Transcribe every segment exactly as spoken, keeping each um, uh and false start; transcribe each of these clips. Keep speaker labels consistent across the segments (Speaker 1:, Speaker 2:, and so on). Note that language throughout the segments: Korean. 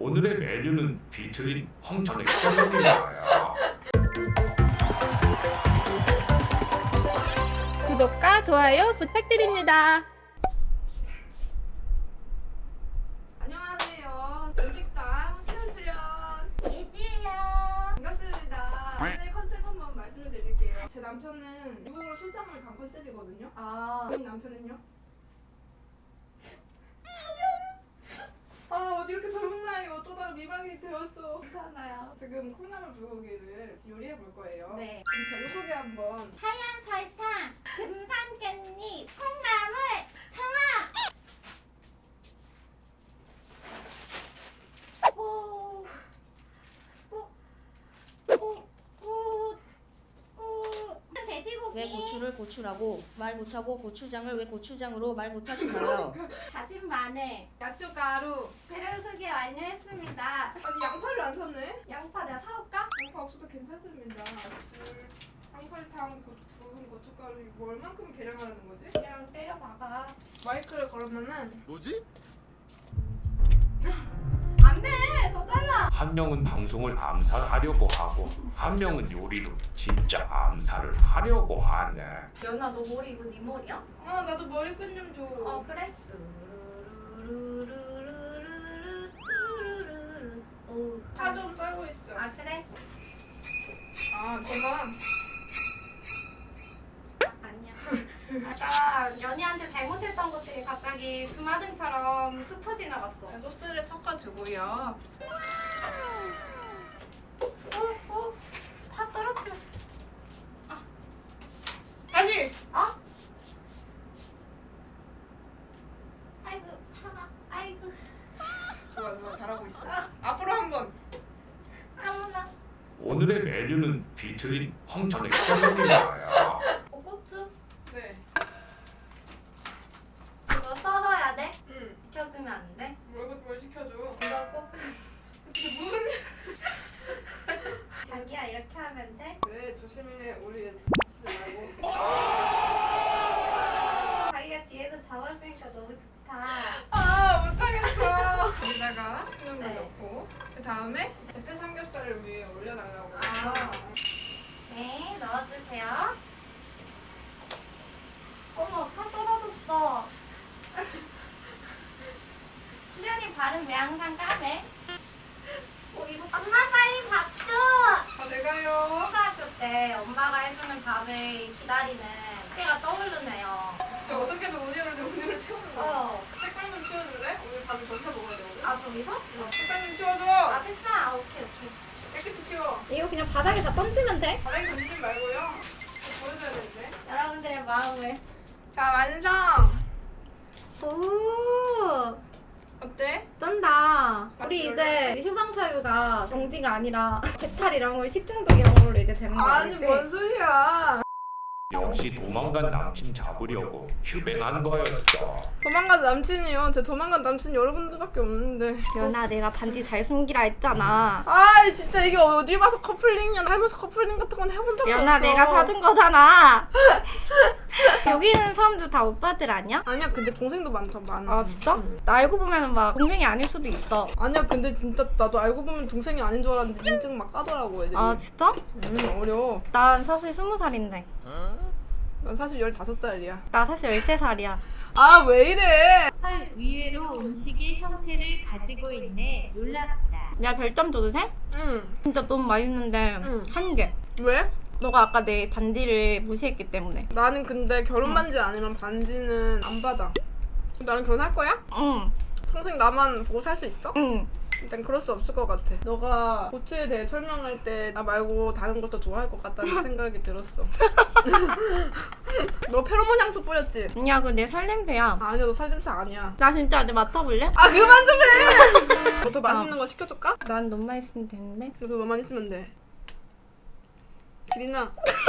Speaker 1: 오늘의 메뉴는 비틀린 황천액젓입니다.
Speaker 2: 구독과 좋아요 부탁드립니다.
Speaker 3: 안녕하세요. 음식당 수련수련
Speaker 4: 예지예요.
Speaker 3: 반갑습니다. 오늘 컨셉 한번 말씀을 드릴게요. 제 남편은 미국으로 출장을 간 컨셉이거든요.
Speaker 4: 아,
Speaker 3: 본인 남편은요? 아 어디 이렇게 젊은 나이에 어쩌다가 미망이 되었어.
Speaker 4: 괜찮아요.
Speaker 3: 지금 콩나물 불고기를 요리해 볼 거예요.
Speaker 4: 네.
Speaker 3: 그럼 재료 소개 한번.
Speaker 4: 하얀 설탕, 금산 깻잎, 콩나물, 청아. 오, 오, 오, 오, 오. 돼지고기.
Speaker 5: 왜 고추를 고추라고 말 못하고 고추장을 왜 고추장으로 말 못하시나요?
Speaker 4: 다진 마늘.
Speaker 3: 야채가루.
Speaker 4: 재료 소개 완료했습니다.
Speaker 3: 아니 양파를 안 샀네?
Speaker 4: 양파 내가 사올까?
Speaker 3: 양파 없어도 괜찮습니다. 술, 황설탕, 고, 붉은 고춧가루 이거 얼만큼 계량하라는 거지?
Speaker 4: 그냥 때려박아.
Speaker 3: 마이크를 걸으면은
Speaker 6: 뭐지?
Speaker 4: 안 돼! 더 달라!
Speaker 1: 한 명은 방송을 암살하려고 하고 한 명은 요리로 진짜 암살을 하려고 하네.
Speaker 4: 연아, 너 머리 이거 네 머리야?
Speaker 3: 어 나도 머리끈 좀 줘.
Speaker 4: 어, 그래? 뚜루루루루루루루, 뚜루루루. 오,
Speaker 3: 파 좀 썰고 있어.
Speaker 4: 아, 그래?
Speaker 3: 아 제가
Speaker 4: 아니야. 아까 연희한테 잘못했던 것들이 갑자기 주마등처럼 스쳐 지나갔어.
Speaker 3: 소스를 섞어주고요.
Speaker 4: 어? 어? 파 떨어뜨렸어.
Speaker 3: 다시.
Speaker 4: 어? 아이고, 파가, 아이고.
Speaker 3: 좋아 좋아 잘하고 있어. 앞으로 한번.
Speaker 4: 아무나.
Speaker 1: 오늘의 메뉴는 비틀린 황천액젓입니다.
Speaker 4: 어, 고추?
Speaker 3: 네.
Speaker 4: 이거 썰어야 돼?
Speaker 3: 응.
Speaker 4: 지켜주면 안 돼?
Speaker 3: 뭘, 뭘 지켜줘.
Speaker 4: 이거 꼭
Speaker 3: 이게 무슨?
Speaker 4: 자기야 이렇게 하면 돼?
Speaker 3: 그래 조심해 우리 다치지 말고.
Speaker 4: 자기가 뒤에서 잡아주니까 너무 좋다.
Speaker 3: 아 못하겠어. 여기다가 소금을
Speaker 4: 네.
Speaker 3: 넣고 그 다음에 대패 삼겹살을 위에 올려달라고.
Speaker 4: 아. 네, 넣어주세요. 어머, 파 떨어졌어. 수련이 발음 왜 항상 까매? 어, 이거 엄마 빨리 밥 줘!
Speaker 3: 아 내가요.
Speaker 4: 초등학교 때 엄마가 해주는 밥을 기다리는 때가 떠오르네요.
Speaker 3: 진짜 어떻게든 오늘을 오늘을 채우는 거야.
Speaker 4: 어.
Speaker 3: 책상 좀 치워줄래? 오늘 밥을 저기서 먹어야 되거든.
Speaker 4: 아, 저기서? 어.
Speaker 3: 책상 좀 치워줘.
Speaker 4: 아, 됐어. 아, 오케이, 오케이.
Speaker 3: 깨끗이 치워.
Speaker 2: 이거 그냥 바닥에 다 던지면 돼?
Speaker 3: 바닥에 던지지 말고요. 보여줘야 되는데.
Speaker 4: 여러분들의 마음을.
Speaker 3: 자 완성.
Speaker 2: 오,
Speaker 3: 어때?
Speaker 2: 쩐다. 우리 이제 휴방사유가 정지가 아니라 배탈이랑 걸 식중독이란 걸로 이제 되는 거야.
Speaker 3: 아니 뭔 소리야.
Speaker 1: 역시 도망간 남친 잡으려고 휴뱅한 거였죠.
Speaker 3: 도망간 남친이요. 제 도망간 남친 여러분들밖에 없는데.
Speaker 2: 연아, 내가 반지 잘 숨기라 했잖아.
Speaker 3: 아 진짜 이게 어디 봐서 커플링이야. 살면서 커플링 같은 건 해본 적이
Speaker 2: 연아,
Speaker 3: 없어.
Speaker 2: 내가 사준 거잖아. 여기 있는 사람들 다 오빠들 아니야?
Speaker 3: 아니야 근데 동생도 많다 많아.
Speaker 2: 아, 진짜? 나 알고 보면 막 동생이 아닐 수도 있어.
Speaker 3: 아니야 근데 진짜 나도 알고 보면 동생이 아닌 줄 알았는데 인증 막 까더라고 애들이.
Speaker 2: 아, 진짜?
Speaker 3: 음 어려워.
Speaker 2: 난 사실 스무 살인데.
Speaker 3: 난 사실 열다섯 살이야.
Speaker 2: 나 사실 열세 살이야.
Speaker 3: 아 왜 이래.
Speaker 7: 헐, 의외로 음식의 형태를 가지고 있네. 놀랍다.
Speaker 2: 내가 별점 줘도 돼?
Speaker 3: 응.
Speaker 2: 진짜 너무 맛있는데
Speaker 3: 응.
Speaker 2: 한 개.
Speaker 3: 왜?
Speaker 2: 너가 아까 내 반지를 무시했기 때문에.
Speaker 3: 나는 근데 결혼 반지 아니면 반지는 안 받아. 나랑 결혼할 거야?
Speaker 2: 응,
Speaker 3: 평생 나만 보고 살 수 있어?
Speaker 2: 응.
Speaker 3: 일단 그럴 수 없을 것 같아. 너가 고추에 대해 설명할 때 나 말고 다른 것도 좋아할 것 같다는 생각이 들었어. 너 페로몬 향수 뿌렸지?
Speaker 2: 아니야, 그거 내 살냄새야.
Speaker 3: 아니야 너 살냄새 아니야.
Speaker 2: 나 진짜 내 맡아볼래?
Speaker 3: 아 그만 좀 해! 더 맛있는 거 시켜줄까?
Speaker 2: 난 너만 있으면 되는데.
Speaker 3: 그래서 너만 있으면 돼. 기린아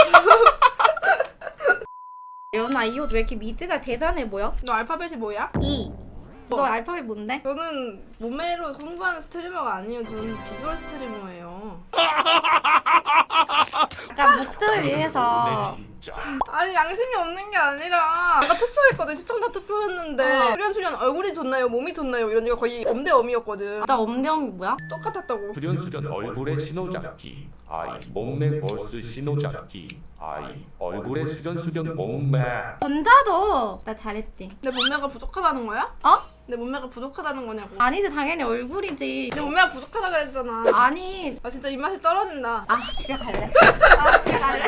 Speaker 2: 연아, 이 옷 왜 이렇게 미드가 대단해 보여?
Speaker 3: 너 알파벳이 뭐야?
Speaker 2: 이. 너 알파벳 뭔데?
Speaker 3: 저는 몸매로 공부하는 스트리머가 아니에요. 저는 비주얼 스트리머예요.
Speaker 2: 약간 목적을 위해서
Speaker 1: 진짜.
Speaker 3: 아니 양심이 없는 게 아니라 내가 투표했거든. 시청자 투표했는데
Speaker 2: 어.
Speaker 3: 수련수련 얼굴이 좋나요? 몸이 좋나요? 이런 게 거의 엄대엄이었거든.
Speaker 2: 나 엄대형이 뭐야?
Speaker 3: 똑같았다고.
Speaker 1: 수련수련 얼굴에 신호잡기. 아이 몸매 벌스 신호잡기. 아이 얼굴에 수련수련 몸매.
Speaker 2: 전자도 나 잘했지.
Speaker 3: 내 몸매가 부족하다는 거야?
Speaker 2: 어?
Speaker 3: 내 몸매가 부족하다는 거냐고.
Speaker 2: 아니지 당연히 얼굴이지.
Speaker 3: 내 몸매가 부족하다 그랬잖아.
Speaker 2: 아니
Speaker 3: 아 진짜 입맛이 떨어진다.
Speaker 2: 아 집에 갈래. 아 집에 갈래.